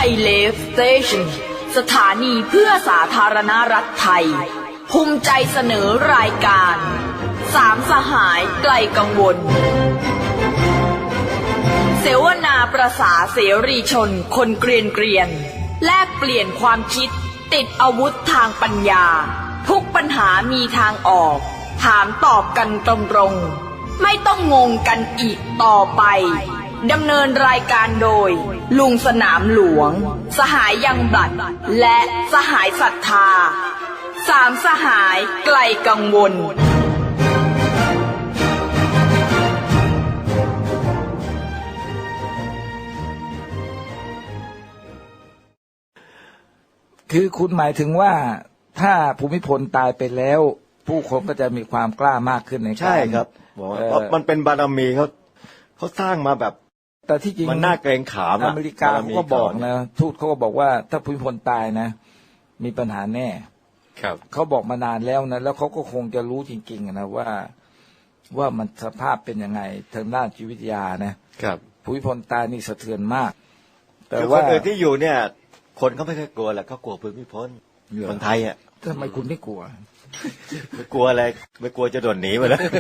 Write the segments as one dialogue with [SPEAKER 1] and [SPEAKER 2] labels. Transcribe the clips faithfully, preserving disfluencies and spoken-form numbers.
[SPEAKER 1] เลฟสเตชันสถานีเพื่อสาธารณรัฐไทยภูมิใจเสนอรายการสามสหายไกลกังวลเสวนาประสาเสรีชนคนเกรียนเกรียนแลกเปลี่ยนความคิดติดอาวุธทางปัญญาทุกปัญหามีทางออกถามตอบกันตรงๆไม่ต้องงงกันอีกต่อไปดำเนินรายการโดยลุงสนามหลวงสหายยังบลัดและสหายศรัทธาสามสหายไกลกังวล
[SPEAKER 2] คือคุณหมายถึงว่าถ้าภูมิพลตายไปแล้วผู้คนก็จะมีความกล้ามากขึ้นในการ
[SPEAKER 3] ใช่ครับบอกว่าเพราะมันเป็นบารมีเขาเขาสร้างมาแบบ
[SPEAKER 2] แต่ที่จริง
[SPEAKER 3] มันน่าเกรงขาม
[SPEAKER 2] อเมริกาเขาก็บอกนะทูตเขาก็บอกว่าถ้าภูมิพลตายนะมีปัญหาแน่
[SPEAKER 4] ครับ
[SPEAKER 2] เขาบอกมานานแล้วนะแล้วเขาก็คงจะรู้จริงๆนะว่าว่ามันสภาพเป็นยังไงทางด้านจิตวิทยานะครับภูมิพลตายนี่สะเทือนมาก
[SPEAKER 3] แต่ว่าคนอื่นที่อยู่เนี่ยคนเขาไม่เคยกลัวแหละเขากลัวภูมิพลคนไทยอ่ะ
[SPEAKER 2] ทำไมคุณไม่กลัว
[SPEAKER 3] ไม่กลัวอะไรไม่กลัวจะโดนหนีไปแล้ว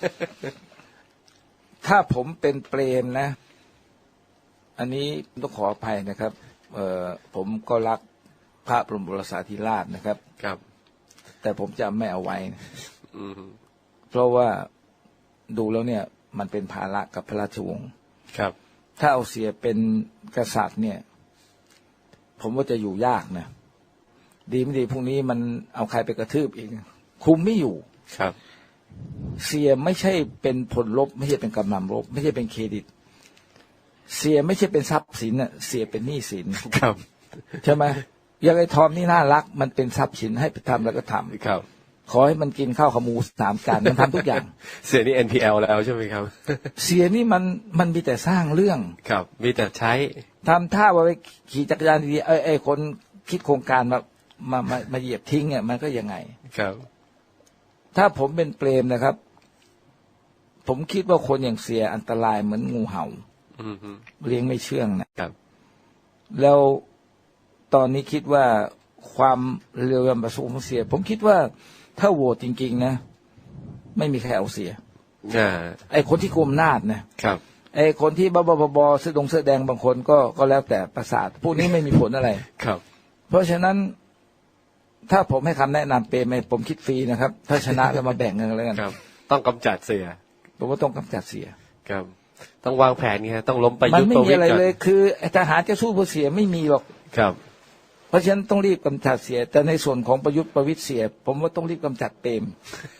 [SPEAKER 2] ถ้าผมเป็นเปรมนะอันนี้ต้องขออภัยนะครับเอ่อผมก็รักพระบรมโอรสาธิราชนะครับ
[SPEAKER 4] ครับ
[SPEAKER 2] แต่ผมจะไม่เอาไว้นะเพราะว่าดูแล้วเนี่ยมันเป็นภาระกับพระราชวงศ์
[SPEAKER 4] ครับ
[SPEAKER 2] ถ้าเอาเสียเป็นกษัตริย์เนี่ยผมว่าจะอยู่ยากนะดีไม่ดีพรุ่งนี้มันเอาใครไปกระทืบอีกคุมไม่อยู่
[SPEAKER 4] ครับ
[SPEAKER 2] เสียไม่ใช่เป็นผลลบไม่ใช่เป็นกำลังลบไม่ใช่เป็นเครดิตเสียไม่ใช่เป็นทรัพย์สินน่ะเสียเป็นหนี้สิน
[SPEAKER 4] ครับ
[SPEAKER 2] ใช่ไหมอย่างไอ้ทอมนี่น่ารักมันเป็นทรัพย์สินให้ไปทำแล้วก็ทำ
[SPEAKER 4] ครับ
[SPEAKER 2] ขอให้มันกินข้าวขาหมูสามจานมันทำทุกอย่าง
[SPEAKER 4] เสียนี่ เอ็น พี แอล แล้วใช่ไหมครับ
[SPEAKER 2] เสียนี่มันมันมีแต่สร้างเรื่อง
[SPEAKER 4] ครับมีแต่ใช้
[SPEAKER 2] ทำท่าว่าไปขี่จักรยานดีๆไอ้ไอ้คนคิดโครงการมามามามาเหยียบทิ้งเนี่ยมันก็ยังไง
[SPEAKER 4] ครับ
[SPEAKER 2] ถ้าผมเป็นเปรมนะครับผมคิดว่าคนอย่างเสียอันตรายเหมือนงูเห่าเลี้ยงไม่เชื่องนะครับแล้วตอนนี้คิดว่าความเร็วยำประสงค์ของเสียผมคิดว่าถ้าโหวตจริงๆนะไม่มีใครเอาเสียไอ้คนที่กุมอำนาจนะครับไอ้คนที่บ้าๆบอๆเสื้อดงเสื้อแดงบางคนก็ก็แล้วแต่ประสาทพวกนี้ไม่มีผลอะไร
[SPEAKER 4] ครับ
[SPEAKER 2] เพราะฉะนั้นถ้าผมให้คำแนะนำเปรมผมคิดฟรีนะครับถ้าชนะแล้วมาแบ่งเงินแล้วกัน
[SPEAKER 4] ครับต้องกำจัดเสีย
[SPEAKER 2] ผมว่าต้องกำจัดเสีย
[SPEAKER 4] ครับต้องวางแผนไงต้องล้มประยุทธ์
[SPEAKER 2] มันไม่มีอะไรเลยคือทหารจะสู้ผู้เสียไม่มีหรอก
[SPEAKER 4] ครับ
[SPEAKER 2] เพราะฉะนั้นต้องรีบกำจัดเสียแต่ในส่วนของประยุทธ์ประวิตรเสียผมว่าต้องรีบกำจัดเปรม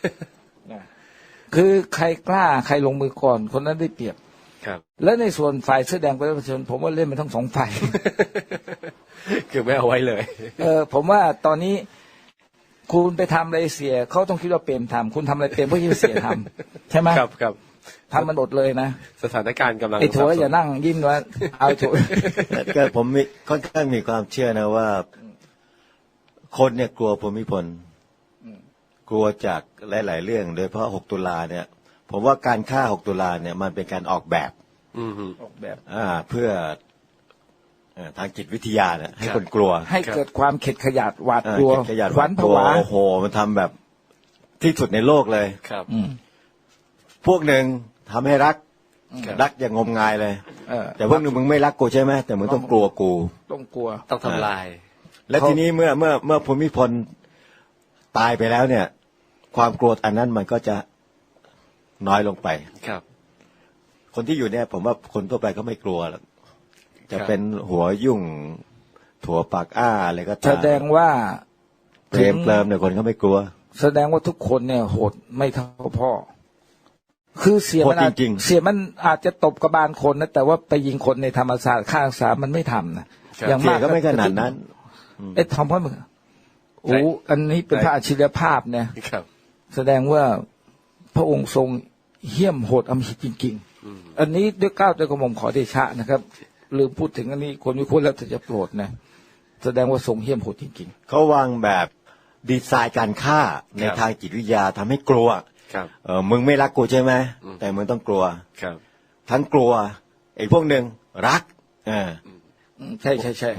[SPEAKER 2] คือใครกล้าใครลงมือก่อนคนนั้นได้เปรียบ
[SPEAKER 4] ครับ
[SPEAKER 2] และในส่วนฝ่ายเสื้อแดงประชาชนผมว่าเล่นมันทั้งสองฝ่าย
[SPEAKER 4] คือไม่เอาไว้เลย
[SPEAKER 2] เออผมว่าตอนนี้คุณไปทำอะไรเสียเขาต้องคิดว่าเปรมทำคุณทำอะไรเปรมเพราะที่เสียทำใช่ไหม
[SPEAKER 4] ครับครับ
[SPEAKER 2] ทำมันหมดเลยนะ
[SPEAKER 4] สถานการณ์กำลัง
[SPEAKER 2] ไอ้ถั่วอย่านั่งยิ้มว่าเอาถั่ว
[SPEAKER 3] ก็ผมมีค่อนข้างมีความเชื่อนะว่าคนเนี่ยกลัวภูมิพลกลัวจากหลายๆเรื่องโดยเฉพาะหกตุลาเนี่ยผมว่าการฆ่าหกตุลาเนี่ยมันเป็นการออกแบบ
[SPEAKER 2] ออกแบบ
[SPEAKER 3] อ่าเพื่อทางจิตวิทยาเนี่ยให้คนกลัว
[SPEAKER 2] ให้เกิดความเข็ดขยาดหวาดกลัว
[SPEAKER 3] ขวัญผวาโอ้โหมันทำแบบที่สุดในโลกเลย
[SPEAKER 4] ครับ
[SPEAKER 3] พวกหนึ่งทำให้รักรักอย่างงมงายเลยแต่พวกหนึ่งมึงไม่รักกูใช่ไหมแต่มึงต้องกลัวกู
[SPEAKER 2] ต้องกลัว
[SPEAKER 4] ต้องทำลาย
[SPEAKER 3] และทีนี้เมื่อเมื่อเมื่อภูมิพลตายไปแล้วเนี่ยความกลัวอันนั้นมันก็จะน้อยลงไป
[SPEAKER 4] ครับ
[SPEAKER 3] คนที่อยู่เนี่ยผมว่าคนทั่วไปก็ไม่กลัวหรอกจะเป็นหัวยุ่งถั่วปากอ้าอะไรก็ตาม
[SPEAKER 2] แสดงว่า
[SPEAKER 3] เปรมเปรมเนี่ยคนก็ไม่กลัว
[SPEAKER 2] แสดงว่าทุกคนเนี่ยโหดไม่เท่าพ่อคือเสียมันเสียมันอาจจะตบกระบาลคนนะแต่ว่าไปยิงคนในธรรมศาสตร์ฆ่าสามมันไม่ทำนะ
[SPEAKER 3] อย่างมากก็ไม่ขนาดนั้น
[SPEAKER 2] ไอ้ทอมพ่อมึงโอ้อันนี้เป็นพระอัจฉริยภาพเนี่ยแสดงว่าพระองค์ทรงเหี้ยมโหดอำมหิตจริงๆอันนี้ด้วยเกล้าด้วยกระหม่อมขอเดชะนะครับลืมพูดถึงอันนี้คนวิเคราะห์แล้วจะโปรดนะแสดงว่าทรงเหี้ยมโหดจริง
[SPEAKER 3] ๆเขาวางแบบดีไซน์การฆ่าในทางจิตวิทยาทำให้กลัวเออมึงไม่รักกูใช่ไหมแต่มึงต้องกลัวทั้งกลัวไอ้พวกหนึ่งรักเออ
[SPEAKER 2] ใช่ใช่ใช่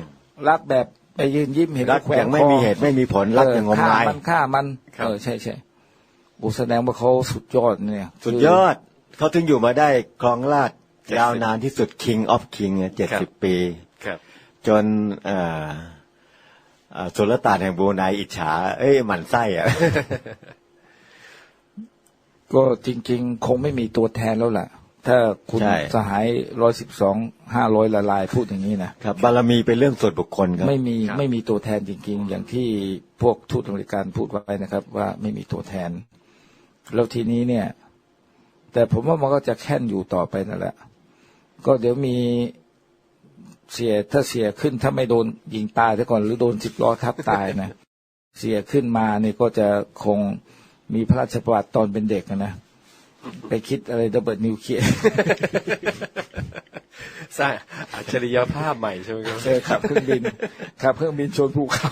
[SPEAKER 2] รักแบบไปยืนยิ้มเห็น
[SPEAKER 3] รัก
[SPEAKER 2] แขว
[SPEAKER 3] อย่าง งไม่
[SPEAKER 2] คอ
[SPEAKER 3] มีเหตุไม่มีผลรักอย่างงม
[SPEAKER 2] ฆ่าง
[SPEAKER 3] าย
[SPEAKER 2] มันฆ่ามันเออใช่ใช่อุแสดงว่าเขาสุดยอดเนี่ย
[SPEAKER 3] สุดยอดเขาถึงอยู่มาได้ครองราชย์ยาวนานที่สุด King of King เจ็ดสิบปี
[SPEAKER 4] ครับ
[SPEAKER 3] จนเอ่อเอ่อสุลต่านแห่งบรูไนอิจฉาเอ้ยหมั่นไส้อะ
[SPEAKER 2] ก็จริงๆ คงไม่มีตัวแทนแล้วล่ะ ถ้าคุณ
[SPEAKER 3] ใช่
[SPEAKER 2] สหายร้อยสิบสองห้าร้อยละลายพูดอย่างนี้นะครับ
[SPEAKER 3] บารมีเป็นเรื่องส่วนบุคคลครับ
[SPEAKER 2] ไม่มี
[SPEAKER 4] ครับ
[SPEAKER 2] ไม่มีตัวแทนจริงๆ อย่างที่พวกทูตอเมริกันพูดไว้นะครับ ว่าไม่มีตัวแทน แล้วทีนี้เนี่ย แต่ผมว่ามันก็จะแค่นอยู่ต่อไปนั่นแหละ ก็เดี๋ยวมีเสียถ้าเสียขึ้นถ้าไม่โดนยิงตายซะก่อนหรือโดนสิบล้อทับตายนะ เสียขึ้นมาเนี่ยก็จะคงมีพระราชประวัติตอนเป็นเด็กนะไปคิดอะไรระเบิดนิวเคลียร์
[SPEAKER 4] สร้างอัจฉริยภาพใหม่ใช่ไหมครับ
[SPEAKER 2] เออขับเครื่องบินขับเครื่องบินชนภูเขา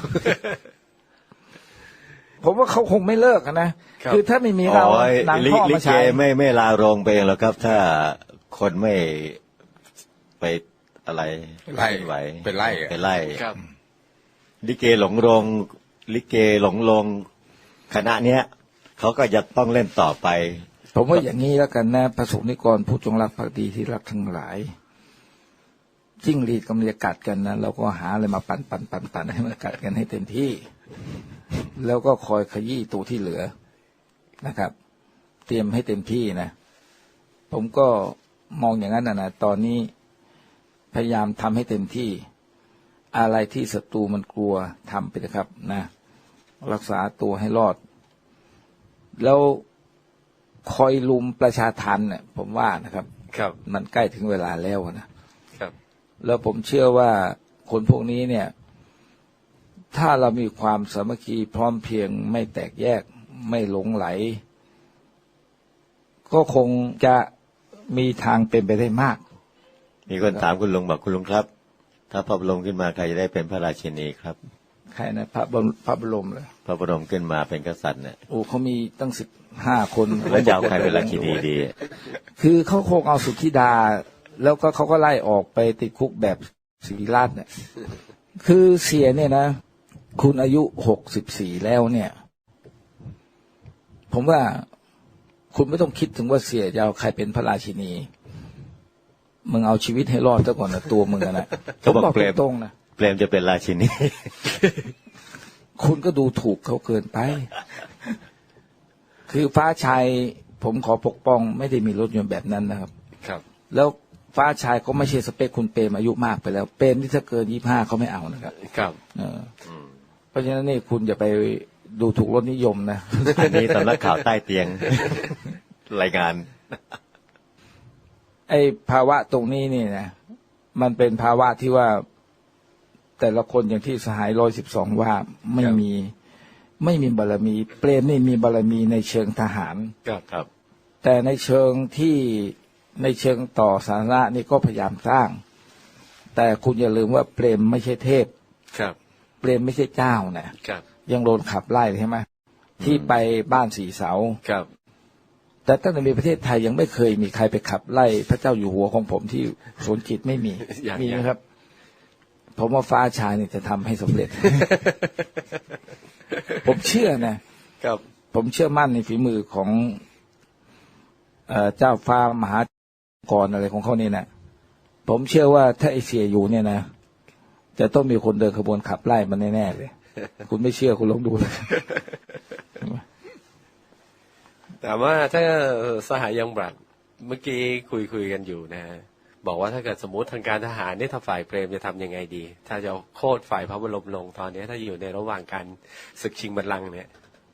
[SPEAKER 2] ผมว่าเขาคงไม่เลิกอะนะ
[SPEAKER 4] ครับ
[SPEAKER 2] คือถ้าไม่มีเรา
[SPEAKER 3] อ๋อ
[SPEAKER 2] หนัง
[SPEAKER 3] ลิ
[SPEAKER 2] พ่อ
[SPEAKER 3] ลิ
[SPEAKER 2] มา
[SPEAKER 3] เก
[SPEAKER 2] ฉาย
[SPEAKER 3] ไม่ไม่ลาโรงไปเองหรอกครับ ถ้าคนไม่ไปอะไร
[SPEAKER 5] ไล่
[SPEAKER 3] ไหว
[SPEAKER 5] ไปไล่อะ
[SPEAKER 3] ไปไล่
[SPEAKER 4] ครับ
[SPEAKER 3] ลิเกหลงโรงลิเกหลงโรงคณะเนี้ยเขาก็จะต้องเล่นต่อไป
[SPEAKER 2] ผมว่าอย่างนี้แล้วกันนะพระสงฆ์นิกรผู้จงรักภักดีที่รักทั้งหลายจิ้งหรีดกำลังจะกัดกันนะเราก็หาอะไรมาปั่นปั่นปั่นปั่นให้มันกัดกันให้เต็มที่ แล้วก็คอยขยี้ตัวที่เหลือนะครับ เตรียมให้เต็มที่นะ ผมก็มองอย่างนั้นนะนะตอนนี้พยายามทำให้เต็มที่ อะไรที่ศัตรูมันกลัวทำไปนะครับนะรักษาตัวให้รอด แล้วคอยลุมประชาทันเนี่ยผมว่านะครับ
[SPEAKER 4] ครับ
[SPEAKER 2] มันใกล้ถึงเวลาแล้วนะครับ แล้วผมเชื่อว่าคนพวกนี้เนี่ย ถ้าเรามีความสามัคคีพร้อมเพรียงไม่แตกแยกไม่หลงไหล ก็คงจะมีทางเป็นไปได้มาก
[SPEAKER 3] มีคนถามคุณลุงบอกคุณลุงครับ ถ้าพระบรมขึ้นมาใครจะได้เป็นพระราชินีครับ
[SPEAKER 2] ใครนะพระบรมพระบรมเลย
[SPEAKER 3] พระบรมขึ้นมาเป็นกษัตริย์เนี่ย
[SPEAKER 2] โอ้เขามีตั้งสิบห้าคน
[SPEAKER 3] แล้วจะเอาใครเป็นราชินีดี
[SPEAKER 2] คือเขาคงเอาสุทธิดา แล้วก็เขาก็ไล่ออกไปติดคุกแบบศิริราชเนี่ย คือเสียเนี่ยนะ คุณอายุหกสิบสี่แล้วเนี่ย ผมว่าคุณไม่ต้องคิดถึงว่าเสียจะเอาใครเป็นพระราชินี มึงเอาชีวิตให้รอดซะก่อนนะตัวมึงอะนะ
[SPEAKER 3] เขาบอก
[SPEAKER 2] ผม
[SPEAKER 3] เปรม
[SPEAKER 2] ตรงๆนะ
[SPEAKER 3] เปรมจะเป็นราชินี
[SPEAKER 2] คุณก็ดูถูกเขาเกินไป คือฟ้าชัยผมขอปกป้องไม่ได้มีรถยนต์แบบนั้นนะครับ
[SPEAKER 4] ครับ
[SPEAKER 2] แล้วฟ้าชายก็ไม่ใช่สเปคคุณเปรมอายุมากไปแล้ว เปรมที่ถ้าเกินยี่ห้าเขาไม่เอานะครับ
[SPEAKER 4] ครับ
[SPEAKER 2] เออเพราะฉะนั้นนี่คุณอย่าไปดูถูกรสนิยมนะ
[SPEAKER 3] อันนี้สำนักข่าวใต้เตียง รายงาน
[SPEAKER 2] ไอ้ภาวะตรงนี้นี่นะมันเป็นภาวะที่ว่าแต่ละคนอย่างที่สหายร้อยสิบสองว่าไม่มี ไม่มีบารมี เปรมนี่มีบารมีในเชิงทหาร
[SPEAKER 4] ครับครับ
[SPEAKER 2] แต่ในเชิงที่ในเชิงต่อสาธารณะนี่ก็พยายามสร้าง แต่คุณอย่าลืมว่าเปรมไม่ใช่เทพ
[SPEAKER 4] ครับ
[SPEAKER 2] เปรมไม่ใช่เจ้านะครับ ยังโดนขับไล่ใช่ไหมที่ไปบ้านสีเสา
[SPEAKER 4] ครับ
[SPEAKER 2] แต่ตั้งแต่มีประเทศไทยยังไม่เคยมีใครไปขับไล่พระเจ้าอยู่หัวของผมที่สวนจิตไม่มี
[SPEAKER 4] อย่าง
[SPEAKER 2] มี
[SPEAKER 4] อย่าง
[SPEAKER 2] นะครับ ผมว่าฟ้าชายนี่จะทำให้สำเร็จ ผมเชื่อนะ
[SPEAKER 4] ครับ
[SPEAKER 2] ผมเชื่อมั่นในฝีมือของเอ่อเจ้าฟ้ามหากรอะไรของเขานี่นะผมเชื่อว่าถ้าไอเสียอยู่เนี่ยนะจะต้องมีคนเดินขบวนขับไล่มันแน่ๆเลย คุณไม่เชื่อคุณลองดูเลย
[SPEAKER 4] แต่ว่าถ้าสหายยังบรัดเมื่อกี้คุยคุยกันอยู่นะฮะบอกว่าถ้าเกิดสมมติทางการทหารเนี่ยถ้าฝ่ายเปรมจะทำยังไงดี ถ้าจะโค่นฝ่ายพระบรมลงตอนนี้ถ้าอยู่ในระหว่างการศึกชิงบัลลังก์เนี่ย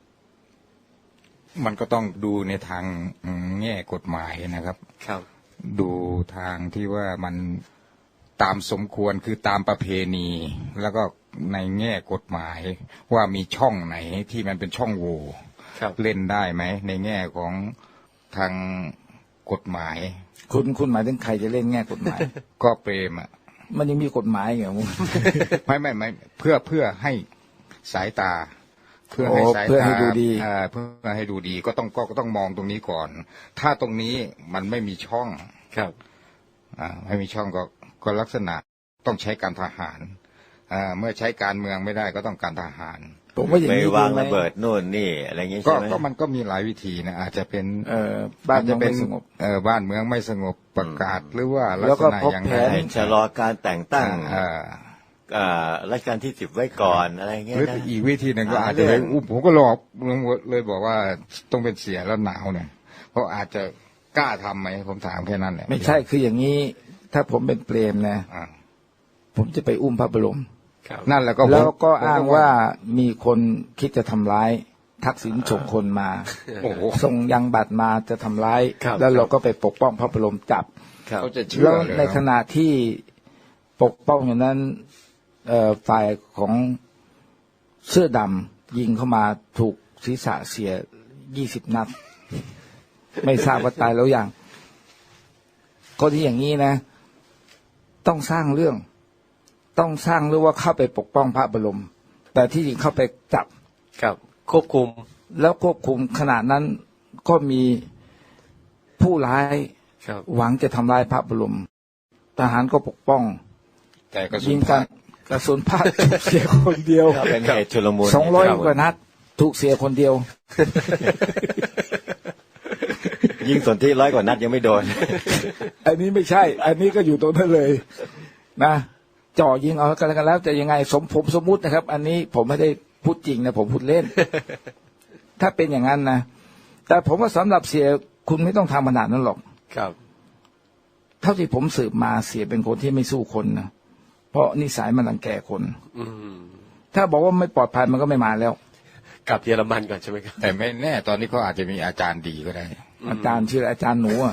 [SPEAKER 5] มันก็ต้องดูในทางแง่กฎหมายนะครับ
[SPEAKER 4] ครับ
[SPEAKER 5] ดูทางที่ว่ามันตามสมควรคือตามประเพณี แล้วก็ในแง่กฎหมายว่ามีช่องไหนที่มันเป็นช่องโหว่
[SPEAKER 4] ครับ
[SPEAKER 5] เล่นได้ไหมในแง่ของทางกฎหมาย
[SPEAKER 2] คุณคุณหมายถึงใครจะเล่นแง่กฎหมาย
[SPEAKER 5] ก็เปรมอ่ะ
[SPEAKER 2] มันยังมีกฎหมายเหรอมึง
[SPEAKER 5] ไม่ไม่ไม่เพื่อเพื่อให้สายตา เพื่อให้
[SPEAKER 2] โอ้
[SPEAKER 5] สาย
[SPEAKER 2] เพื่อ
[SPEAKER 5] ตา
[SPEAKER 2] ให้ดูดี
[SPEAKER 5] เอ่อเพื่อให้ดูดีก็ต้องก็ก็ต้องมองตรงนี้ก่อน ถ้าตรงนี้มันไม่มีช่อง
[SPEAKER 4] ครับ
[SPEAKER 5] อ่าไม่มีช่องก็ก็ลักษณะต้องใช้การทหารอ่าเมื่อใช้การเมืองไม่ได้ก็ต้องการทหาร
[SPEAKER 2] ผมว่าอย่าง
[SPEAKER 3] ไป
[SPEAKER 2] นี้
[SPEAKER 3] วาง
[SPEAKER 2] ดีไหม
[SPEAKER 3] ระเบิดโน่นนี่อะไรอย่างงี้
[SPEAKER 5] ก็
[SPEAKER 3] ใช่ไหม
[SPEAKER 5] ก็มันก็มีหลายวิธีนะอาจจะเป็น
[SPEAKER 2] เอ่อบ้านเมื
[SPEAKER 5] จะ
[SPEAKER 2] อง
[SPEAKER 5] เป็
[SPEAKER 2] ไม่
[SPEAKER 5] น
[SPEAKER 2] สงบ
[SPEAKER 5] เออบ้านเมืองไม่สงบประกาศหรือว่าลัก
[SPEAKER 2] แล้ว
[SPEAKER 5] ษ
[SPEAKER 2] ก็
[SPEAKER 5] ณะ
[SPEAKER 2] พบ
[SPEAKER 5] อย่าง
[SPEAKER 2] แผ
[SPEAKER 5] ไร
[SPEAKER 2] น
[SPEAKER 3] ให้ชะลอการแต่งตั้ง
[SPEAKER 5] อ่า
[SPEAKER 3] อ่ารัชกาลที่สิบไว้ก่อนอะไรเงี้
[SPEAKER 5] ห
[SPEAKER 3] ย
[SPEAKER 5] รือ
[SPEAKER 3] นะ
[SPEAKER 5] อีกวิธีหนึ่งก็
[SPEAKER 3] หา
[SPEAKER 5] อาจจะไป
[SPEAKER 3] เรื่อง
[SPEAKER 5] อุ้มผมก็หลอกเลยบอกว่าต้องเป็นเสียแล้วหนาวเนี่ยเพราะอาจจะกล้าทำไหมผมถามแค่นั้นแหละ
[SPEAKER 2] ไม่ใช่คืออย่างนี้ ถ้าผมเป็นเปรมนะ
[SPEAKER 5] อ่า
[SPEAKER 2] ผมจะไปอุ้มพระบรม
[SPEAKER 4] ครับ
[SPEAKER 5] นั่นแหละก็ผม
[SPEAKER 2] แล้วก็
[SPEAKER 5] ผม
[SPEAKER 2] อ้างว่ามีคนคิดจะทำร้าย ทักษิณส่งคนมา
[SPEAKER 5] โอ้โห
[SPEAKER 2] ส่งยังบัตรมาจะทำร้าย
[SPEAKER 4] ครับ
[SPEAKER 2] แล้วเราก็ไปปกป้องพระบรมจับ
[SPEAKER 3] ครับ
[SPEAKER 5] เขาจะเชื่อ
[SPEAKER 2] แล้ว
[SPEAKER 5] เลย
[SPEAKER 2] ในขณะที่ปกป้องอย่างนั้นเอ่อฝ่ายของเสื้อดำยิงเข้ามาถูกศีรษะเสียยี่สิบนัด ไม่ทราบว่าตายแล้วยังก็ที่อย่างนี้นะ ต้องสร้างเรื่อง ต้องสร้างเรื่องว่าเข้าไปปกป้องพระบรม แต่ที่จริงเข้าไปจับ
[SPEAKER 4] ครับควบคุม
[SPEAKER 2] แล้วควบคุมขณะนั้นก็มีผู้ร้าย
[SPEAKER 4] ครับ
[SPEAKER 2] หวังจะทำลายพระบรม ทหารก็ปกป้อง
[SPEAKER 5] แต่กระสุ
[SPEAKER 2] ยิ
[SPEAKER 5] น
[SPEAKER 2] งกันกระสุนพลาดถูกเสียคนเดียว
[SPEAKER 3] ก็เป็นเหตุชุลมุน
[SPEAKER 2] สองร้อยกว่านัด ถูกเสียคนเดียว
[SPEAKER 3] ยิงสนที่ร้อยกว่านัดยังไม่โดน
[SPEAKER 2] อันนี้ไม่ใช่ อันนี้ก็อยู่ตรงนั้นเลย นะจ่อยิงเอากันแล้วกันแล้วจะยังไงสมผมสมมุตินะครับ อันนี้ผมไม่ได้พูดจริงนะผมพูดเล่น ถ้าเป็นอย่างนั้นนะแต่ผมว่าสำหรับเสียคุณไม่ต้องทำขนาดนั้นหรอก
[SPEAKER 4] ครับ
[SPEAKER 2] เท่าที่ผมสืบมาเสียเป็นคนที่ไม่สู้คนนะเพราะนิสัยมันรังแกคน
[SPEAKER 4] อืม
[SPEAKER 2] ถ้าบอกว่าไม่ปลอดภัยมันก็ไม่มาแล้ว
[SPEAKER 4] กลับเยอรมันก่อนใช่ไหมครับ
[SPEAKER 5] แต่ไม่แน่ตอนนี้เขาอาจจะมีอาจารย์ดีก็ได้
[SPEAKER 2] อาจารย์ชื่ออาจารย์หนูอะ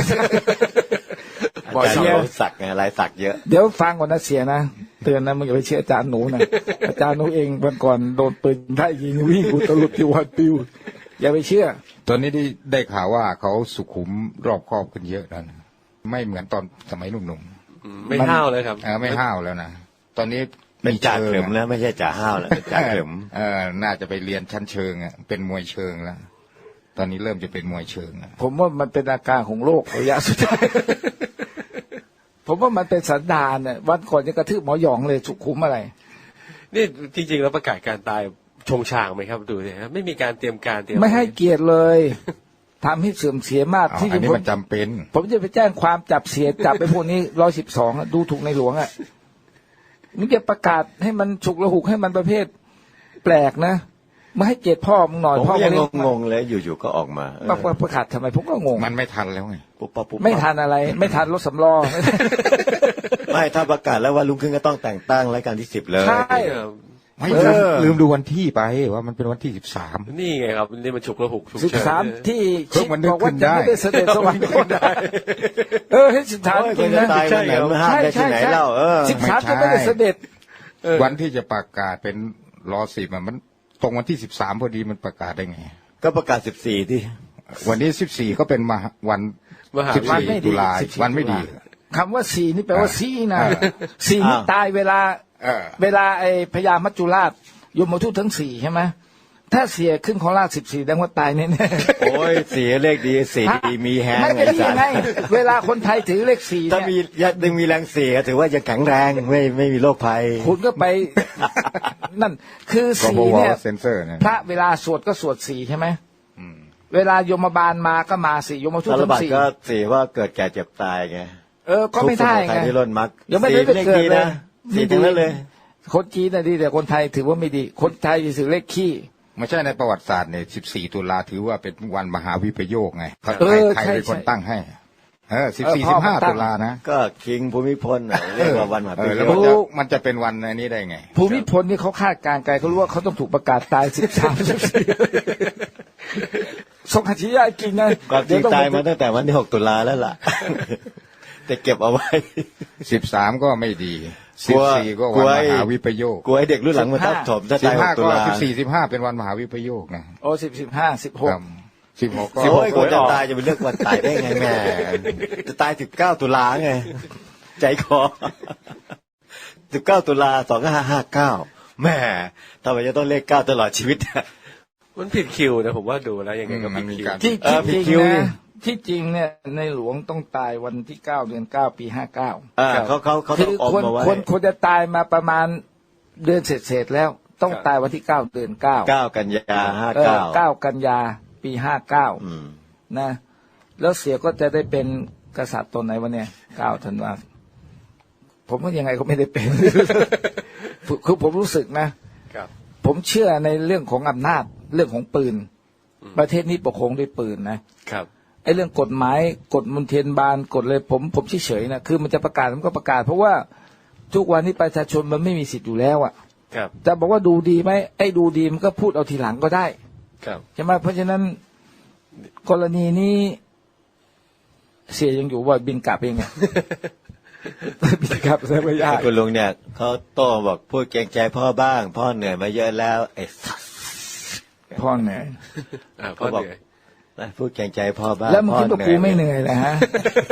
[SPEAKER 3] อา
[SPEAKER 2] บอก
[SPEAKER 3] จารย์
[SPEAKER 2] เสีย
[SPEAKER 3] เขาสักไงลายสักเยอะ
[SPEAKER 2] เดี๋ยวฟังก่อนนะเสียนะเตือนนะมึงอย่าไปเชื่ออาจารย์หนูนะ อาจารย์หนูเองวันก่อนโดนปืนได้ยิงวิ่งอุตลุดที่วันปิวอย่าไปเชื่อ
[SPEAKER 5] ตอนนี้ได้ได้ข่าวว่าเขาสุขุมรอบคอบขึ้นเยอะแล้วนะไม่เหมือนตอนสมัยหนุ่ม
[SPEAKER 4] อืมไม่ห้าวเลยครับ
[SPEAKER 5] ๆเออไม่ห้าวแล้วนะตอนนี้
[SPEAKER 3] เป็นจ่า
[SPEAKER 5] ชิง
[SPEAKER 3] เข็มแล้วไม่ใช่จ่าห้าวแล้วเป็นจ่าเข็ม
[SPEAKER 5] เออน่าจะไปเรียนชั้นเชิงอ่ะเป็นมวยเชิงแล้วตอนนี้เริ่มจะเป็นมวยเชิงแล้ว
[SPEAKER 2] ผมว่ามันเป็นอาการของโรคระยะสุดท้าย ผมว่ามันเป็นสันดานเนี่ยวันก่อนยังกระทืบหมอหยองเลยสุขุมอะไร
[SPEAKER 4] นี่จริงๆแล้วประกาศการตายชงชางไหมครับดูสิครับไม่มีการเตรียมการเตรียม
[SPEAKER 2] ไม่ให้เกียรติเลย ทำให้เสื่อมเสียมาก
[SPEAKER 5] เอา
[SPEAKER 2] ที่
[SPEAKER 5] อันนี้
[SPEAKER 2] ผม
[SPEAKER 5] มันจำเป็น
[SPEAKER 2] ผมจะไปแจ้งความจับเสียจับไปพวกนี้ร้อยสิบสองดูถูกในหลวงอ่ะมึงจะประกาศให้มันฉุกระหุกให้มันประเภทแปลกนะมาให้เกียรติพ่อมึงหน่อย
[SPEAKER 3] ผม
[SPEAKER 2] พ่อ
[SPEAKER 3] ก็ยัง
[SPEAKER 2] เลี้ย
[SPEAKER 3] งงๆเลยอยู่ๆก็ออกมาเออ
[SPEAKER 2] มาประกาศทำไมผมก็งง
[SPEAKER 5] มันไม่ทันแล้วไง
[SPEAKER 3] ปุ๊บปั๊บปุ๊บปั๊บ
[SPEAKER 2] ไม่ทันอะไร ไม่ทันรถสำรอง
[SPEAKER 3] ไม่ถ้าประกาศแล้วว่าลุงขึ้นก็ต้องแต่งตั้งรายการที่สิบเลย
[SPEAKER 2] ใช่
[SPEAKER 4] เออ
[SPEAKER 5] ไม่
[SPEAKER 2] เอ
[SPEAKER 5] ลืม
[SPEAKER 2] อ
[SPEAKER 5] ลืมดูวันที่ไปว่ามันเป็นวันที่สิบสาม
[SPEAKER 4] นี่ไงครับนี่มันฉุกระหุกฉุก
[SPEAKER 2] สิบ
[SPEAKER 4] เฉิน
[SPEAKER 2] สาม
[SPEAKER 4] เนี่ย
[SPEAKER 2] ที่
[SPEAKER 5] เพิ่งมันนึก
[SPEAKER 2] บอกว่า
[SPEAKER 5] ขึ้น
[SPEAKER 2] จะ
[SPEAKER 5] ได้
[SPEAKER 2] ไม่ได้เสด็จสวรรคตเออให้สิบสาม
[SPEAKER 3] โอ้ย
[SPEAKER 2] จริง
[SPEAKER 3] คนจะ
[SPEAKER 2] นะ
[SPEAKER 3] ตายวันไหนมาห้ามได้ที่ไหนเล่าเออ
[SPEAKER 2] สิบสามจะไม่ได้เสด็จ
[SPEAKER 5] วันที่จะประกาศเป็นรอสิบมันตรงวันที่สิบสามพอดีมันประกาศได้ไง
[SPEAKER 3] ก็ประกาศสิบสี่ที่
[SPEAKER 5] วันนี้สิบสี่ก็เป็นมหาวัน
[SPEAKER 4] มหา
[SPEAKER 5] สิบ
[SPEAKER 2] วัน
[SPEAKER 5] สี่
[SPEAKER 2] ไม่ดี
[SPEAKER 5] ตุลา
[SPEAKER 2] สิบสี่
[SPEAKER 5] วันไม่ดี
[SPEAKER 2] คำว่าสี่นี่แปลว่า
[SPEAKER 5] อ่า
[SPEAKER 2] สี่นะ
[SPEAKER 5] อ่า
[SPEAKER 2] สี่นี่
[SPEAKER 3] อ้าว
[SPEAKER 2] ตายเวลา
[SPEAKER 5] เออ
[SPEAKER 2] เวลาไอ้พญามัจจุราชยมทูตทั้งสี่ใช่ไหมถ้าเสียขึ้นของราชสิบสี่แสดงว่าตายแน่ๆ
[SPEAKER 3] โอ้ยเสียเลขดีสีดีมีแฮง
[SPEAKER 2] ไม่
[SPEAKER 3] ไง
[SPEAKER 2] เป็นไร
[SPEAKER 3] สัต
[SPEAKER 2] ไง
[SPEAKER 3] ว์
[SPEAKER 2] เวลาคนไทยถือเลขสี่
[SPEAKER 3] ถ้า
[SPEAKER 2] เนี่
[SPEAKER 3] มี
[SPEAKER 2] ย
[SPEAKER 3] ยังมีแรงเสียถือว่ายังแข็งแรงไม่ไม่มีโรคภัย
[SPEAKER 2] คุณก็ไป นั่นคือ
[SPEAKER 5] ก็
[SPEAKER 2] สี่
[SPEAKER 5] บอก
[SPEAKER 2] เนี่
[SPEAKER 5] ว่าย เซนเซอร์นะ
[SPEAKER 2] พระเวลาสวดก็สวดสี่ใช่ไหมเวลาโยมบาลมาก็มาสี่โยมทูต
[SPEAKER 3] สาร
[SPEAKER 2] ทั้
[SPEAKER 3] บัต
[SPEAKER 2] งสี่
[SPEAKER 3] ก็เสียว่าเกิดแก่เจ็บตายไง
[SPEAKER 2] เออก็ไม่ได้
[SPEAKER 3] ทุกสมุทั
[SPEAKER 2] ไง
[SPEAKER 3] ยที่ล้นมัก
[SPEAKER 2] ยังไม่ได้
[SPEAKER 3] สี
[SPEAKER 2] ไป
[SPEAKER 3] เลข
[SPEAKER 2] เกิด
[SPEAKER 3] ดี
[SPEAKER 2] เลย
[SPEAKER 3] นะสีทั้งนั้นเลย
[SPEAKER 2] คนจีนน่ะดีแต่คนไทยถือว่าไม่ดี คนไทยถือเลขขี้
[SPEAKER 5] ไม่ใช่ในประวัติศาสตร์เนี่ยสิบสี่ตุลาถือว่าเป็นวันมหาวิปโยคไงเขา
[SPEAKER 2] เออ
[SPEAKER 5] ใคร
[SPEAKER 2] ใช่
[SPEAKER 5] เป็นคน
[SPEAKER 2] ใช่
[SPEAKER 5] ตั้งให้ เออสิบ
[SPEAKER 2] เออ
[SPEAKER 5] สี่
[SPEAKER 2] พ่
[SPEAKER 5] สิ
[SPEAKER 2] อบ
[SPEAKER 5] ห้า
[SPEAKER 2] เขาตั้ง
[SPEAKER 5] ตุลานะ
[SPEAKER 3] ก็คิงภูมิพลน่ะเรียกว่าวันมหา
[SPEAKER 5] เอ
[SPEAKER 3] ปิ
[SPEAKER 5] อแล้ว
[SPEAKER 3] โย
[SPEAKER 5] มัน
[SPEAKER 3] ค
[SPEAKER 5] จะมันจะเป็นวันอันนี้ได้ไง
[SPEAKER 2] ภูมิพลนี่เขาคาดการณ์ไกลเขารู้ว่าเขาต้องถูกประกาศตายสิบสามสิบสี่สงขจิยากินนะ
[SPEAKER 3] ความจริง
[SPEAKER 2] เดี๋ว
[SPEAKER 3] ตาย
[SPEAKER 2] อง
[SPEAKER 3] มาตั้งแต่วันที่หกตุลาแล้วล่ะ แต่เก็บเอาไว้
[SPEAKER 5] สิบสามก็ไม่ดี
[SPEAKER 3] ก
[SPEAKER 5] สิ
[SPEAKER 3] ลั
[SPEAKER 5] บ
[SPEAKER 3] ว
[SPEAKER 5] สี่ก็
[SPEAKER 3] กลั
[SPEAKER 5] วัน
[SPEAKER 3] ว
[SPEAKER 5] ม
[SPEAKER 3] ไอ้
[SPEAKER 5] หาวิปโยค
[SPEAKER 3] กลัวให้เด็กรุ่นหลังมาทับถมถ้า
[SPEAKER 5] สิ
[SPEAKER 3] ตา
[SPEAKER 5] บ
[SPEAKER 3] ยห
[SPEAKER 5] ห้าก
[SPEAKER 3] ตุ
[SPEAKER 5] ก็
[SPEAKER 3] ลา
[SPEAKER 5] สิบสี่สิบห้าเป็นวันมหาวิปโยคนะ
[SPEAKER 2] โอ้สิบสิบห้าสิบหก
[SPEAKER 5] สิบหกก็
[SPEAKER 3] โอ้ยคนจะตายจะไปเลือกวันตายได้ไงแม่จะตายสิบเก้าตุลาไงใจคอสิบเก้าตุลาสองห้าห้าเก้าแม่ทำไมจะต้องเลขเก้าตลอดชีวิต
[SPEAKER 4] มันผิดคิวนะผมว่าดูแล้วยังไงก็
[SPEAKER 5] มั
[SPEAKER 4] ผิ
[SPEAKER 5] น
[SPEAKER 4] ด
[SPEAKER 5] มี
[SPEAKER 4] คิว
[SPEAKER 5] การ
[SPEAKER 2] ที่
[SPEAKER 3] เออ
[SPEAKER 2] ที่
[SPEAKER 3] ผิด
[SPEAKER 2] จ
[SPEAKER 3] คิ
[SPEAKER 2] ริ
[SPEAKER 3] ว
[SPEAKER 2] ง
[SPEAKER 3] ดิ
[SPEAKER 2] นะที่จริงเนี่ยในหลวงต้องตายวันที่เก้าเดือนเก้าปีห้าเก้า
[SPEAKER 3] อ่าเขาเขาเขา
[SPEAKER 2] คื
[SPEAKER 3] ต้อง
[SPEAKER 2] อ
[SPEAKER 3] อม
[SPEAKER 2] ควร
[SPEAKER 3] มาไว้
[SPEAKER 2] ควรควรจะตายมาประมาณเดือนเสร็จๆแล้วต้องตายวันที่เก้าเดือนเก้า
[SPEAKER 3] เก้ากันยาห้า
[SPEAKER 2] เออ
[SPEAKER 3] เก้า
[SPEAKER 2] เก้ากันยาปีห้าเก้า
[SPEAKER 3] อืม
[SPEAKER 2] นะ แล้วเสียก็จะได้เป็นกษัตริย์ตนไหนวะเนี่ยเก้าธันวาผมว่ายังไงก็ไม่ได้เป็น คือผมรู้สึกนะครับ ผมเชื่อในเรื่องของอำนาจเรื่องของปืน ประเทศนี้ปกครองด้วยปืนนะครับไอ้เรื่องกฎหมายกฎมนเทียนบานกฎเลยผมผมเฉยๆนะคือมันจะประกาศมันก็ประกาศเพราะว่าทุกวันนี้ประชาชนมันไม่มีสิทธิ์อยู่แล้วอ่ะ
[SPEAKER 4] ครับ
[SPEAKER 2] จะบอกว่าดูดีไหมไอ้ดูดีมันก็พูดเอาทีหลังก็ได้
[SPEAKER 4] ครับ
[SPEAKER 2] ใช่ไหมเพราะฉะนั้นกรณีนี้เสียยังอยู่ว่าบินกลับเองไง บินกลับใช่ไหมยาก
[SPEAKER 3] คุณลุงเนี่ยเขาโต้บอกพูดเกรงใจพ่อบ้าง พ่อเหนื่อยมาเยอะแล้วไอ้สัส
[SPEAKER 2] พ่อเหนื่อย
[SPEAKER 4] อ่าพ่อเหนื่อย
[SPEAKER 3] พูดเกรงใจพ่อบ้าง
[SPEAKER 2] แล้วมึงคิดว่ากูไม่เหนื่อยเลยฮะ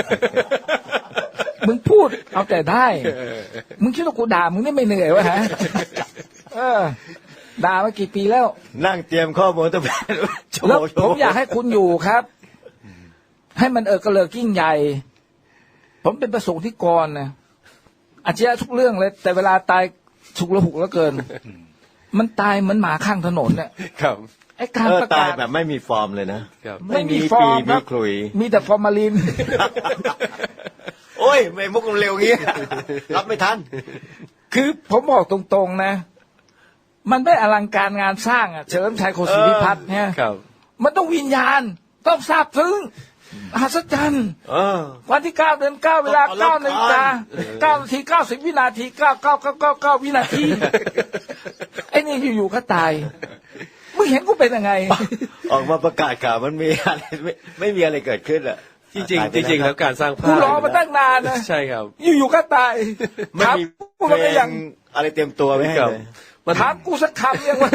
[SPEAKER 2] มึงพูดเอาแต่ได้ มึงคิดว่ากูด่ามึงนี่ไม่เหนื่อยวะฮะ เออ ด่ามากี่ปีแล้ว
[SPEAKER 3] นั่งเตรียมข้อมูลตั้งแต่ชั่วโม
[SPEAKER 2] แล้ว
[SPEAKER 3] ง
[SPEAKER 2] ผมอยากให้คุณอยู่ครับ ให้มันเออกระเลิกยิ่งใหญ่ ผมเป็นประสงค์ที่กรนะอาชีพทุกเรื่องเลย แต่เวลาตายฉุกละหุกแล้วเกิน มันตายเหมือนหมาข้างถนนเนี่ย
[SPEAKER 4] ครับ
[SPEAKER 2] ไอ้การ
[SPEAKER 3] เออ
[SPEAKER 2] ประ
[SPEAKER 3] ตาก
[SPEAKER 2] าย ศ
[SPEAKER 3] แบบไม่มีฟอร์มเลยนะครับ
[SPEAKER 2] ไม่มีฟอร์ม
[SPEAKER 3] ปี
[SPEAKER 2] ครั
[SPEAKER 3] ไม่
[SPEAKER 2] บ
[SPEAKER 3] คลุย
[SPEAKER 2] มีแต่ฟอร์มาลิน
[SPEAKER 3] โอ้ยไม่มุกเร็วงี้ รับไม่ทัน
[SPEAKER 2] คือผมบอกตรงๆนะ มันไม่อลังการงานสร้างอ่ะเฉลิมชัยโคศิพิพัฒน์เนี่ย
[SPEAKER 4] ครับ
[SPEAKER 2] มันต้องวิญญาณ ต้องทราบซึ้งมหัศจรรย์
[SPEAKER 3] เออ
[SPEAKER 2] วันที่เก้าเดือนเก้าเวลา
[SPEAKER 3] ต้อง
[SPEAKER 2] เก้า
[SPEAKER 3] อลังการ
[SPEAKER 2] นาฬิกาเก้านาทีเก้าสิบวินาทีเก้าเก้าเก้าเก้าเก้าวินาที ไอ้นี่อยู่ๆก็ตายมึงเห็นกูเป็นยังไง
[SPEAKER 3] ออกมาประกาศข่าวมันมีอะไรไม่ไม่มีอะไรเกิดขึ้นอ่ะ
[SPEAKER 4] จริงๆจริงๆแล้วการสร้างภา
[SPEAKER 2] กู
[SPEAKER 4] พ
[SPEAKER 2] รอมาตั้งนานนะ
[SPEAKER 4] ใช่ครับ
[SPEAKER 2] อยู่ๆก็ตาย
[SPEAKER 3] ไม่
[SPEAKER 2] ถาม
[SPEAKER 3] มี
[SPEAKER 2] กู
[SPEAKER 3] เพล
[SPEAKER 2] ก็ยัง
[SPEAKER 3] งอะไรเตรียมตัวไว้ให้
[SPEAKER 4] ครับ
[SPEAKER 3] เลย
[SPEAKER 4] มัน
[SPEAKER 2] ถามกูสักคำยังวะ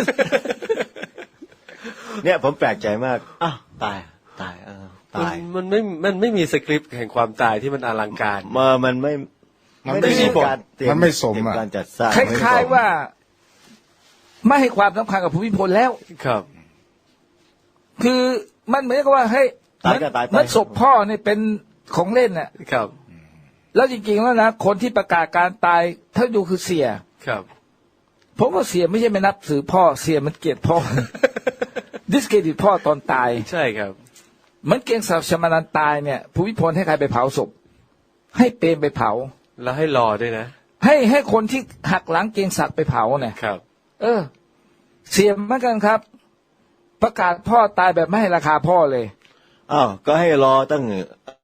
[SPEAKER 3] เนี่ยผมแปลกใจมากอ้าวตายตายเออ
[SPEAKER 4] มัน
[SPEAKER 3] ตาย
[SPEAKER 4] มันไม่มันไม่มีสคริปต์แห่งความตายที่มันอลังการ
[SPEAKER 3] มามันไม่
[SPEAKER 5] มันไม่
[SPEAKER 3] ด้
[SPEAKER 5] สม
[SPEAKER 3] การเตรีย
[SPEAKER 5] มันไม่สม
[SPEAKER 3] เตรีย
[SPEAKER 5] อ่ะ
[SPEAKER 3] การจัดสร้าง
[SPEAKER 2] คล้ายๆว่า ไม่ให้ความสำคัญกับภูมิพลแล้ว
[SPEAKER 4] ครับ
[SPEAKER 2] คือมันเหมือนกับว่าเฮ้ย
[SPEAKER 3] ตายก็ตายไป
[SPEAKER 2] มันศพพ่อเนี่ยเป็นของเล่นน่ะ
[SPEAKER 4] ครับ
[SPEAKER 2] แล้วจริงๆแล้วนะคนที่ประกาศการตายถ้าดูคือเสีย
[SPEAKER 4] ครับ
[SPEAKER 2] ผมว่าเสียไม่ใช่ไม่นับถือพ่อเสียมันเกลียดพ่อ ดิสเครดิตพ่อตอนตาย
[SPEAKER 4] ใช่ครับ
[SPEAKER 2] เหมือนเกียงศักดิ์ชมานันตายเนี่ยภูมิพลให้ใครไปเผาศพให้เปรมไปเผา
[SPEAKER 4] แล้วให้รอด้วยนะ
[SPEAKER 2] ให้ให้คนที่หักหลังเกียงศักดิ์ไปเผาเนี่ย
[SPEAKER 4] ครับ
[SPEAKER 2] เออ เสียเหมือนกันครับ ประกาศพ่อตายแบบไม่ให้ราคาพ่อเลย
[SPEAKER 3] อ้าวก็ให้รอตั้ง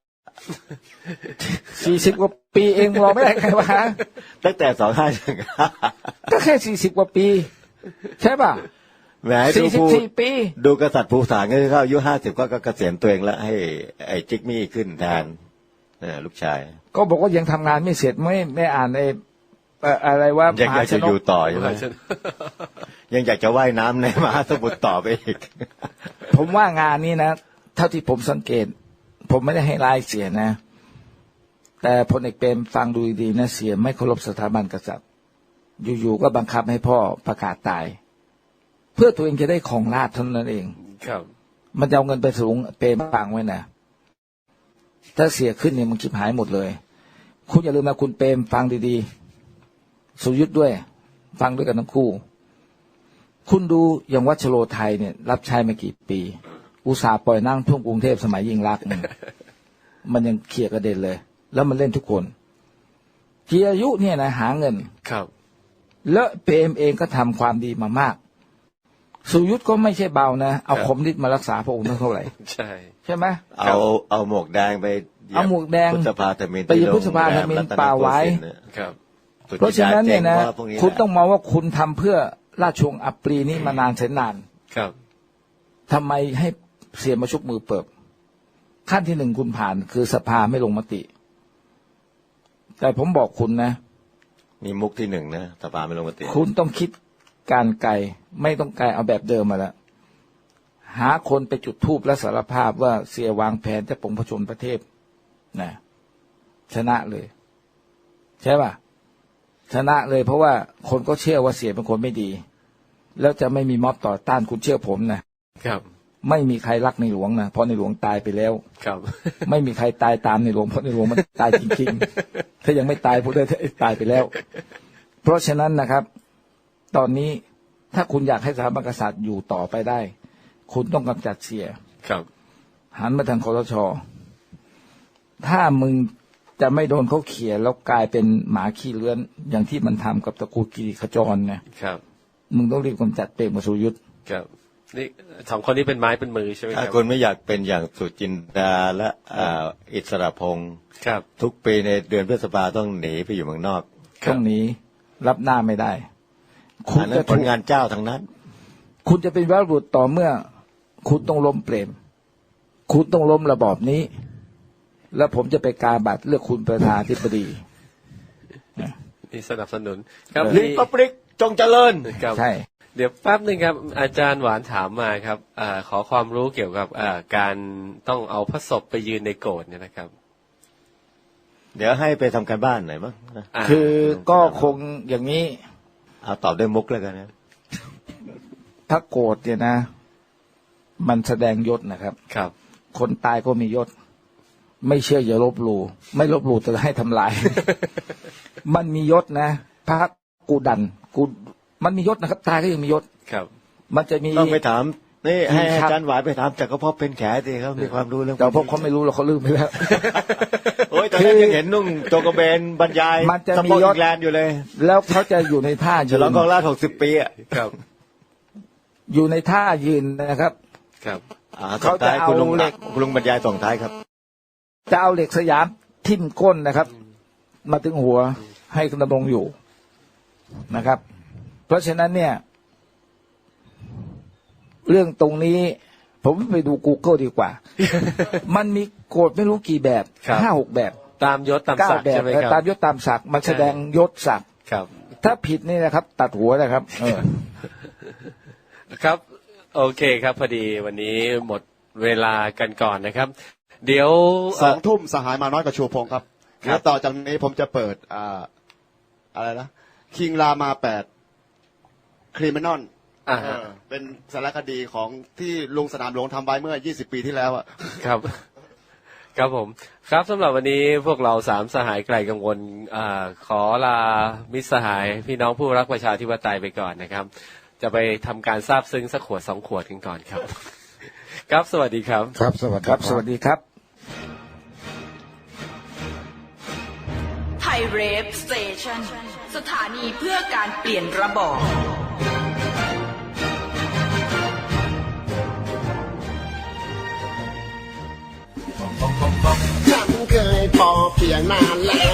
[SPEAKER 2] สี่สิบกว่าปีเองรอไม่ได้ไงวะ
[SPEAKER 3] ตั้งแต่สองห้า
[SPEAKER 2] ก็แค่สี่สิบกว่าปี ใช่ป่ะ
[SPEAKER 3] แหมดู
[SPEAKER 2] สี่สิบ
[SPEAKER 3] ผู้
[SPEAKER 2] สี่ปี
[SPEAKER 3] ดูกษัตริย์ภูฐานก็คือเขาอายุห้าสิบก็เกษียณตัวเองแล้วให้ไอ้จิกมี่ขึ้นแทนเนี่ยลูกชาย
[SPEAKER 2] ก็บอกว่ายังทำงานไม่เสร็จไม่ไม่อ่านไอ้เอ่ออะไรว่า
[SPEAKER 3] ยัง
[SPEAKER 2] ม
[SPEAKER 3] อยา
[SPEAKER 2] หาก ช
[SPEAKER 3] จะ
[SPEAKER 2] น
[SPEAKER 3] อยู่
[SPEAKER 2] ก
[SPEAKER 3] ต่อใช่ไหมยังอยากจะว่ายน้ำในมหาสมุทรต่อไปอีก
[SPEAKER 2] ผมว่างานนี้นะเท่าที่ผมสังเกต ผมไม่ได้ให้รายเสียนะ แต่พลเอกเปรมฟังดูดีๆนะเสียไม่เคารพสถาบันกษัตริย์อยู่ๆก็บังคับให้พ่อประกาศตาย เพื่อตัวเองจะได้ของราชย์เท่านั้นเอง
[SPEAKER 4] ครับ
[SPEAKER 2] มันจะเอาเงินไปสูงเปรมฟังไว้นะถ้าเสียขึ้นเนี่ยมันคิดหายหมดเลย คุณอย่าลืมนะคุณเปรมฟังดีๆสุยุทธด้วย ฟังด้วยกันทั้งคู่ คุณดูอย่างวัชโรไทยเนี่ย รับใช้มากี่ปี อุตสาห์ปล่อยนั่งท่วมกรุงเทพสมัยยิ่งรักษณ์เนี่ยมันยังเคลียร์กระเด็นเลย แล้วมันเล่นทุกคนจีอายุเนี่ยนะหาเงิน
[SPEAKER 4] ครับ
[SPEAKER 2] แล้วเปรมเองก็ทำความดีมามาก สุยุทธก็ไม่ใช่เบานะเอาคมนิดมารักษาพระองค์เท่าไหร่
[SPEAKER 4] ใช่
[SPEAKER 2] ใช่ไหม
[SPEAKER 3] เอาเอาหมวกแดงไปเหยียบ
[SPEAKER 2] เอาหมวกแดง
[SPEAKER 3] พุทธภาธมิน
[SPEAKER 2] ไปเหยียบพุทธภาธมินป่าไว้
[SPEAKER 4] ครับ
[SPEAKER 2] เพราะฉะนั้นเนี่ยนะ
[SPEAKER 3] พวกแหล
[SPEAKER 2] คุณต้องมองว่าคุณทำเพื่อราชวงศ์อัปรีนี้มานานแสนนาน
[SPEAKER 4] ครับ
[SPEAKER 2] ทำไมให้เสียมาชุบมือเปิบขั้นที่หนึ่งคุณผ่านคือสภาไม่ลงมติ แต่ผมบอกคุณนะ
[SPEAKER 3] มีมุกที่หนึ่งนะสภาไม่ลงมติ
[SPEAKER 2] คุณต้องคิดการไกลไม่ต้องไกลเอาแบบเดิมมาแล้วหาคนไปจุดธูปและสารภาพว่าเสียวางแผนจะปลงพระชนพระเทพนะชนะเลย ใช่ป่ะชนะเลยเพราะว่าคนก็เชื่อว่าเสียเป็นคนไม่ดี แล้วจะไม่มีม็อบต่อต้านคุณเชื่อผมนะครับ ไม่มีใครรักในหลวงนะเพราะในหลวงตายไปแล้ว
[SPEAKER 4] ครับ
[SPEAKER 2] ไม่มีใครตายตามในหลวงเพราะในหลวงมันตายจริงๆ ถ้ายังไม่ตายพูดได้ตายไปแล้ว เพราะฉะนั้นนะครับตอนนี้ถ้าคุณอยากให้สถาบันกษัตริย์อยู่ต่อไปได้ คุณต้องกำจัดเสีย
[SPEAKER 4] ครับ
[SPEAKER 2] หันมาทางคสช.ถ้ามึงจะไม่โดนเขาเขี่ยแล้วกลายเป็นหมาขี้เลื้อนอย่างที่มันทำกับตระกูลกิริขจรเนี่ย
[SPEAKER 4] ครับ
[SPEAKER 2] มึงต้องรีบกำจัดเปรมกับสุรยุทธ์
[SPEAKER 4] ครับนี่สองคนนี้เป็นไม้เป็นมือใช่ไหมค
[SPEAKER 3] ถ้า
[SPEAKER 4] รับ
[SPEAKER 3] คุณไม่อยากเป็นอย่างสุจินดาและอ่าอิสระพงศ์
[SPEAKER 4] ครับ
[SPEAKER 3] ทุกปีในเดือนพฤษภาต้องหนีไปอยู่เมืองนอก
[SPEAKER 2] ตรงนี้รับหน้าไม่ได้ คุณ
[SPEAKER 3] อันนั้
[SPEAKER 2] จะ
[SPEAKER 3] นผลงานเจ้าทั้งนั้น
[SPEAKER 2] คุณจะเป็นวีรบุรุษต่อเมื่อ คุณต้องล้มเปรม คุณต้องล้มระบอบนี้ แล้วผมจะไปกาบัตรเลือกคุณประธานาธิบดี
[SPEAKER 4] นี่สนับสนุนครับ
[SPEAKER 3] ลิปปริกจงเจริญ
[SPEAKER 4] ครับ
[SPEAKER 2] ใช่
[SPEAKER 4] เดี๋ยวแป๊บหนึ่งครับ อาจารย์หวานถามมาครับอาขอความรู้เกี่ยวกับการต้องเอาพระศพไปยืนในโกรธเนี่ยนะครับ
[SPEAKER 3] เดี๋ยวให้ไปทำการบ้านหน่อยมั้งนะ
[SPEAKER 4] า
[SPEAKER 2] คือก็คงอย่างนี้
[SPEAKER 3] เอาตอบด้วยมุกแล้วกันนะ
[SPEAKER 2] ถ้าโกรธเนี่ยนะ มันแสดงยศนะครับ
[SPEAKER 4] ครับ
[SPEAKER 2] คนตายก็มียศ ไม่เชื่ออย่าลบหลู่ไม่ลบหลู่จะให้ทำลาย มันมียศนะพระกูดันกูมันมียศนะครับ ตายก็ยังมียศ
[SPEAKER 4] ครับ
[SPEAKER 2] มันจะมี
[SPEAKER 3] ต้องไปถามนี่ให้
[SPEAKER 2] ครับ
[SPEAKER 3] อาจารย์หวายไปถามแต่ก็พอเป็นแขสิเขามีความรู้เรื่อง
[SPEAKER 2] แต่พวกเขาไม่รู้หรอกเขาลืมไปแล้ว
[SPEAKER 3] โอ้ยตอนนั้นยังเห็นนุ่งโจงกระเบนบรรยาย
[SPEAKER 2] มันจะ
[SPEAKER 3] ส
[SPEAKER 2] มี
[SPEAKER 3] ปอร์ต
[SPEAKER 2] ยศ
[SPEAKER 3] อิงแลนด์อยู่เลย
[SPEAKER 2] แล้วเขาจะอยู่ในท่า
[SPEAKER 3] ฉ
[SPEAKER 2] ยื
[SPEAKER 3] ลอง
[SPEAKER 2] น
[SPEAKER 3] กองราชหกสิบปีอ่ะ
[SPEAKER 4] ครับ
[SPEAKER 2] อยู่ในท่ายืนนะครับ
[SPEAKER 4] ครับ
[SPEAKER 3] อ่า
[SPEAKER 2] เขาจะ
[SPEAKER 3] ส่งท้ายคุณลุง
[SPEAKER 2] เอาเหล็ก
[SPEAKER 3] คุณลุงบรรยายส่งท้ายครับ
[SPEAKER 2] จะเอาเหล็กสยามทิ่มก้นนะครับ มาถึงหัวให้ดำรงอยู่นะครับ เพราะฉะนั้นเนี่ย เรื่องตรงนี้ ผมไปดู Google ดีกว่า มันมีโกฎไม่รู้กี่แบบ
[SPEAKER 4] ครับ
[SPEAKER 2] ห้าหกแบบ
[SPEAKER 4] ตามยศตาม
[SPEAKER 2] เก้า
[SPEAKER 4] ศักดิ์
[SPEAKER 2] แบบ
[SPEAKER 4] ใช่ไหมครับ
[SPEAKER 2] ตามยศตามศักดิ์มันแสดงยศศักดิ์
[SPEAKER 4] ครับ
[SPEAKER 2] ถ้าผิดนี่นะครับ ตัดหัวนะครับ เออ
[SPEAKER 4] ครับ โอเคครับ พอดีวันนี้หมดเวลากันก่อนนะครับ เดี๋ยว
[SPEAKER 6] สองทุ่มสหายมาน้อยกับชูพงศ์ครับ
[SPEAKER 4] ครับ
[SPEAKER 6] แล้วต่อจากนี้ผมจะเปิดอ่าอะไรนะคิงรามาแปดคริมินอล
[SPEAKER 4] อ่าฮะ
[SPEAKER 6] เป็นสารคดีของที่ลุงสนามหลวงทำไว้เมื่อยี่สิบปีที่แล้วอะ
[SPEAKER 4] ครับ ครับผมครับสำหรับวันนี้พวกเราสามสหายไกลกังวลอ่าขอลามิตรสหายพี่น้องผู้รักประชาธิปไตยไปก่อนนะครับ จะไปทำการซาบซึ้งสักขวดสองขวดกันก่อนครับ ครับสวัสดีครับ
[SPEAKER 5] ครับสวัสดี
[SPEAKER 2] ครับ สวัสดีครับ
[SPEAKER 1] ไทยเรฟสเตชันสถานีเพื่อการเปลี่ยนระบอบ
[SPEAKER 7] ฉันเคยพอเพียงนานแล้ว